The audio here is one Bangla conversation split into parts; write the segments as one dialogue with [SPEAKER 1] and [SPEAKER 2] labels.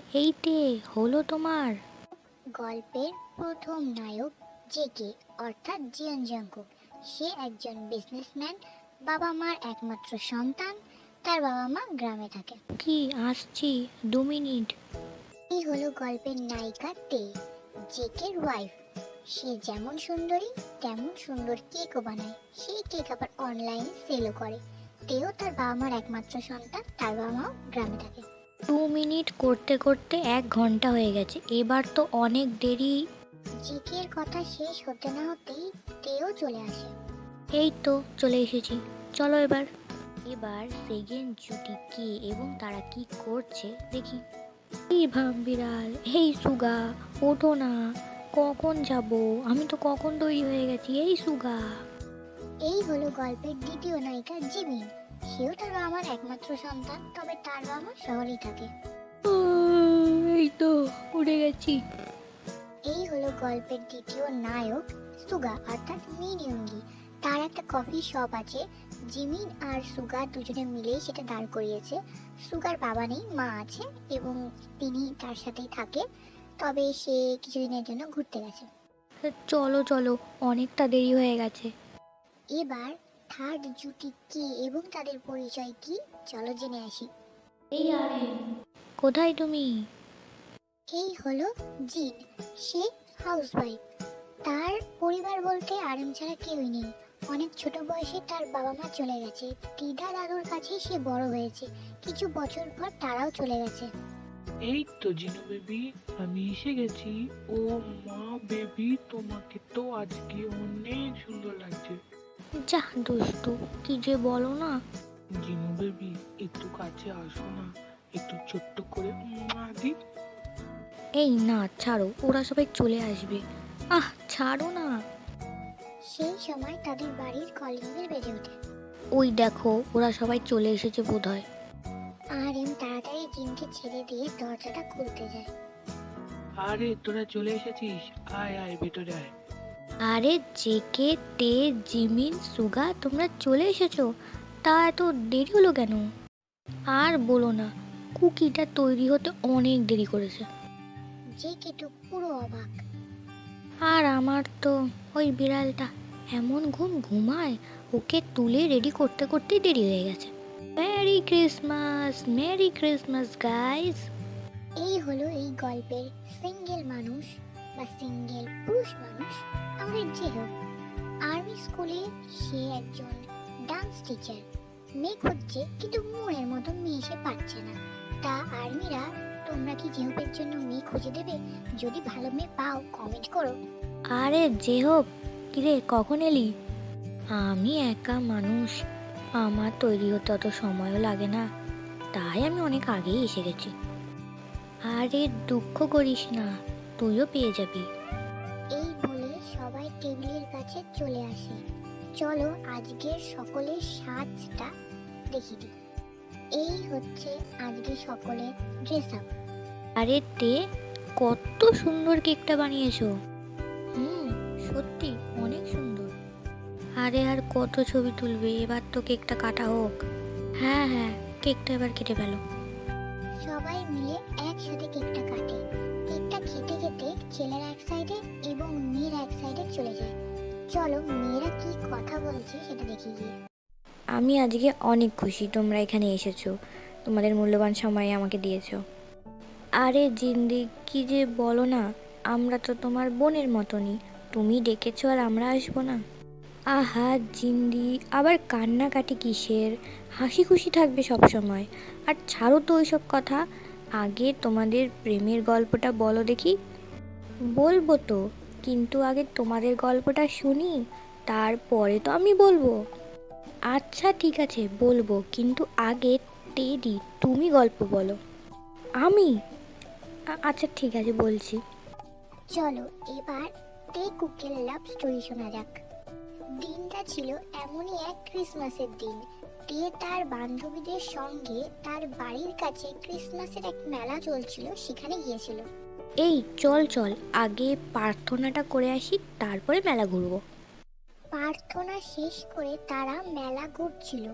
[SPEAKER 1] এইতে হলো তোমার।
[SPEAKER 2] গল্পের প্রথম নায়ক জেকে অর্থাৎ জিয়ন জাংকুক। সে একজন বিজনেসম্যান, বাবা মার একমাত্র সন্তান। তার বাবা মা গ্রামে থাকে।
[SPEAKER 1] কি আসছি 2 মিনিট।
[SPEAKER 2] এই হলো গল্পের নায়িকা তে, জেকের ওয়াইফ। সে যেমন সুন্দরী তেমন সুন্দর কেকও বানায়। সেই কেক আবার অনলাইনে সেলও করে। তেও তার বাবা মার একমাত্র সন্তান, তার বাবা মাও গ্রামে থাকে।
[SPEAKER 1] 2 মিনিট করতে করতে 1 ঘন্টা হয়ে গেছে, এবার তো অনেক দেরি।
[SPEAKER 2] জেকের কথা শেষ হতে না হতেই তেও চলে আসে।
[SPEAKER 1] এই তো চলে এসেছি, চলো এবার। এবার সেকেন্ড জুটি কে এবং তারা কি করছে দেখি। এই ভাব বিড়াল, এই সুগা, ওঠো না। কখন যাব? আমি তো কখন তৈরি হয়ে গেছি। এই সুগা।
[SPEAKER 2] এই হলো গল্পের দ্বিতীয় নায়িকা জিমিন। সেও তার বাবা মার একমাত্র সন্তান, তবে তার বাবা মা শহরেই থাকে।
[SPEAKER 1] এই তো উঠে গেছি।
[SPEAKER 2] এই হলো গল্পের দ্বিতীয় নায়ক সুগা অর্থাৎ মিনিয়ঙ্গি। তার একটা কফি শপ আছে। জিমিন আর সুগা দুজনে মিলেই সেটা দাঁড় করিয়েছে। সুগার বাবা নেই, মা আছে এবং তিনি তার সাথেই থাকে। তবে সে কিছুদিনের জন্য ঘুরতে গেছে।
[SPEAKER 1] চলো চলো, অনেকটা দেরি হয়ে গেছে।
[SPEAKER 2] এবার থার্ড জুটি কে এবং তাদের পরিচয় কি, চলো জেনে আসি।
[SPEAKER 1] এই আরে, কোথায় তুমি?
[SPEAKER 2] এই হলো জিন। সে হাউসওয়াইফ। তার পরিবার বলতে আরেম ছাড়া কেউই নেই। অনেক ছোট বয়সে তার বাবা মা চলে গেছে। দিদা দাদুর কাছে সে বড় হয়েছে। কিছু বছর পর তারাও চলে গেছে।
[SPEAKER 3] এই তো জিনু বেবি, আমি এসে গেছি। ও মা বেবি, তোমাকে তো আজকে অনেক সুন্দর লাগছে।
[SPEAKER 1] যা দুষ্টু, কি যে বলো না।
[SPEAKER 3] জিনু বেবি, একটু কাছে আসো না, একটু ছোট্ট করে দি।
[SPEAKER 1] এই না, ছাড়ো, ওরা সবাই চলে আসবে। আহ ছাড়ো না।
[SPEAKER 2] সেই সময় তাদের বাড়ির কলিং বেল বেজে ওঠে।
[SPEAKER 1] ওই দেখো, ওরা সবাই চলে এসেছে বোধহয়।
[SPEAKER 2] আরেম তাড়াতাড়ি জিনকে ছেড়ে দিয়ে দরজাটা খুলতে যায়।
[SPEAKER 3] আরে তোরা চলে এসেছিস, আয় আয় ভেতরে আয়।
[SPEAKER 1] আরে জেকে, তে, জিমিন, সুগা, তোমরা চলে এসেছো? তা এত দেরি হলো কেন? আর বলো না, কুকিটা তৈরি হতে অনেক দেরি করেছে।
[SPEAKER 2] যে কেটু পুরো অবাক।
[SPEAKER 1] আর আমার তো ওই বিড়ালটা এমন ঘুমায়, ওকে তুলে রেডি করতে করতেই দেরি হয়ে গেছে। Merry Christmas, merry Christmas guys.
[SPEAKER 2] এই হলো এই গল্পের সিঙ্গেল মানুষ বা সিঙ্গেল পুরুষ মানুষ, আমাদের জেহব। আর্মি স্কুলে সে একজন ডান্স টিচার। মেয়ে খুঁজছে, কিন্তু মনের মতো মেয়ে সে পাচ্ছে না। তা আর্মিরা, তোমরা কি জেহবের জন্য মেয়ে খুঁজে দেবে? যদি ভালো মেয়ে পাও কমেন্ট করো।
[SPEAKER 1] আরে জেহব, কিরে কখন এলি? আমি একা মানুষ, আমার তৈরি হতে অত সময়ও লাগে না, তাই আমি অনেক আগেই এসে গেছি। আরে দুঃখ করিস না, তুইও পেয়ে যাবি।
[SPEAKER 2] এই বলে সবাই টেবিলের কাছে চলে আসে। চলো আজকের সকলের সাজটা দেখি দিই। এই হচ্ছে আজকে সকলের ড্রেস আপ।
[SPEAKER 1] আরে তে, কত সুন্দর কেকটা বানিয়েছো। সত্যি অনেক সুন্দর। আরে আর কত ছবি তুলবে, এবার তো কেকটা কাটা হোক। হ্যাঁ হ্যাঁ, কেকটা এবার কেটে ফেলো।
[SPEAKER 2] সবাই মিলে একসাথে কেকটা কাটে। কেকটা খেতে খেতে ছেলেরা এক সাইডে এবং মেয়েরা এক সাইডে চলে যায়। চলো মেয়েরা কি কথা বলছে সেটা দেখি গিয়ে।
[SPEAKER 1] আমি আজকে অনেক খুশি তোমরা এখানে এসেছো, তোমাদের মূল্যবান সময় আমাকে দিয়েছো। আরে জিন্দি, কি যে বলো না, আমরা তো তোমার বোনের মতনই, তুমি ডেকেছো আর আমরা আসবো না? আহা জিন্দি, আবার কান্নাকাটি কিসের? হাসি খুশি থাকবে সব সময়। আর ছাড়ো তো ওইসব কথা, আগে তোমাদের প্রেমের গল্পটা বলো দেখি। বলবো তো, কিন্তু আগে তোমাদের গল্পটা শুনি, তারপরে তো আমি বলবো। আচ্ছা ঠিক আছে বলবো, কিন্তু আগে টেডি তুমি গল্প বলো। আমি? আচ্ছা ঠিক আছে বলছি।
[SPEAKER 2] চলো এবার তে কুকের লাভ স্টোরি শোনা যাক। দিনটা ছিল এমনই এক ক্রিসমাসের দিন। তে তার বান্ধবীদের সঙ্গে তার বাড়ির কাছে ক্রিসমাসের এক মেলা চলছিল, সেখানে গিয়েছিল।
[SPEAKER 1] এই চল চল, আগে প্রার্থনাটা করে আসি, তারপরে মেলা ঘুরবো।
[SPEAKER 2] প্রার্থনা শেষ করে তারা মেলা ঘুরছিল।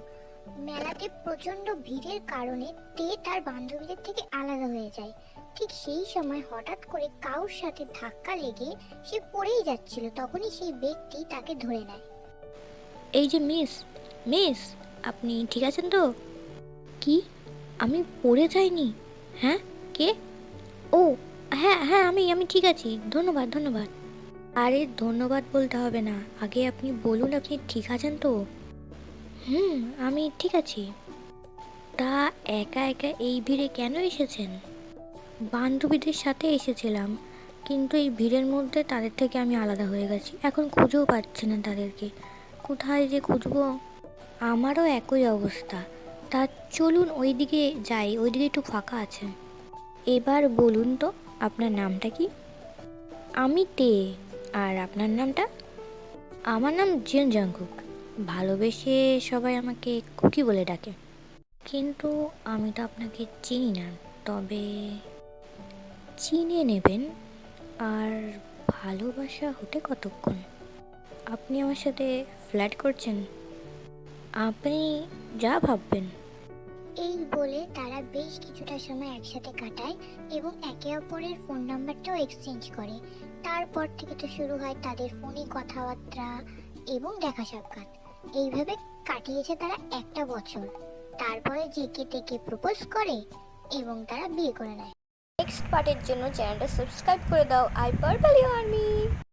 [SPEAKER 2] মেলাতে প্রচন্ড ভিড়ের কারণে তে তার বান্ধবীদের থেকে আলাদা হয়ে যায়। ঠিক সেই সময় হঠাৎ করে কারোর সাথে ধাক্কা লেগে সে পড়েই যাচ্ছিল, তখনই সেই ব্যক্তি তাকে ধরে নেয়।
[SPEAKER 1] এই যে মিস, মিস, আপনি ঠিক আছেন তো? কি, আমি পড়ে যাইনি? হ্যাঁ, কে? ও হ্যাঁ হ্যাঁ, আমি ঠিক আছি, ধন্যবাদ ধন্যবাদ। আরে ধন্যবাদ বলতে হবে না, আগে আপনি বলুন আপনি ঠিক আছেন তো? আমি ঠিক আছি। তা একা একা এই ভিড়ে কেন এসেছেন? বান্ধবীদের সাথে এসেছিলাম, কিন্তু এই ভিড়ের মধ্যে তাদের থেকে আমি আলাদা হয়ে গেছি, এখন খুঁজেও পাচ্ছি না তাদেরকে, কোথায় যে খুঁজবো। আমারও একই অবস্থা। তা চলুন ওইদিকে যাই, ওইদিকে একটু ফাঁকা আছে। এবার বলুন তো আপনার নামটা কি? আমি তে। আর আপনার নামটা? আমার নাম জিন জাংকুক, ভালোবেসে সবাই আমাকে কুকি বলে ডাকে। কিন্তু আমি তো আপনাকে চিনি না, তবে চিনে নেবেন। আর ভালোবাসা হতে কতক্ষণ? আপনি আমার সাথে ফ্ল্যাট করছেন? আপনি যা ভাববেন।
[SPEAKER 2] এই বলে তারা বেশ কিছুটা সময় একসাথে কাটায় এবং একে অপরের ফোন নাম্বারটাও এক্সচেঞ্জ করে। তারপর থেকে তো শুরু হয় তাদের ফোনে কথাবার্তা এবং দেখা সাক্ষাৎ। এইভাবে কাটিয়েছে তারা একটা বছর। তারপরে জেকে টেকে প্রপোজ করে এবং তারা বিয়ে করে নেয়।
[SPEAKER 1] নেক্সট পার্টের জন্য চ্যানেলটা সাবস্ক্রাইব করে দাও। I purple army.